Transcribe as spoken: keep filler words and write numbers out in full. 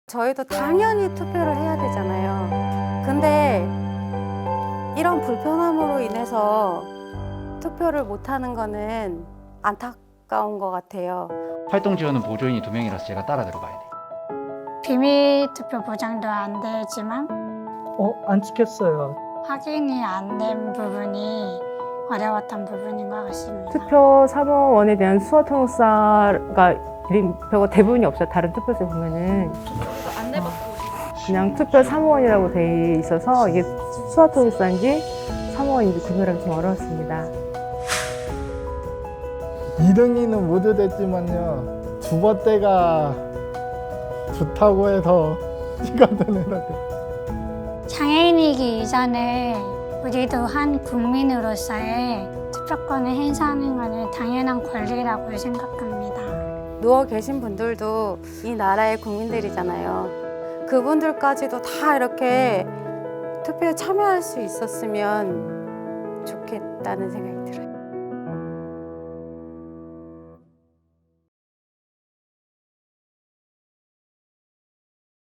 저희도 당연히 투표를 해야 되잖아요. 근데 이런 불편함으로 인해서 투표를 못하는 거는 안타까운 것 같아요. 활동 지원은 보조인이 두 명이라서 제가 따라 들어가야 돼요. 비밀 투표 보장도 안 되지만 어, 안 찍혔어요. 확인이 안 된 부분이 어려웠던 부분인 것 같습니다. 투표 사무원에 대한 수화 통역사가 이름표가 대부분이 없어요. 다른 투표소에 보면은 그냥 투표 사무원이라고 돼 있어서 이게 수화 통역사인지 사무원인지 구별하기 좀 어려웠습니다. 이 등이는 모두 됐지만요. 두 번째가 좋다고 해서 시간을 내야 돼. 장애인이기 이전에 우리도 한 국민으로서의 투표권을 행사하는 것은 당연한 권리라고 생각합니다. 누워 계신 분들도 이 나라의 국민들이잖아요. 그분들까지도 다 이렇게 투표에 참여할 수 있었으면 좋겠다는 생각이 들어요.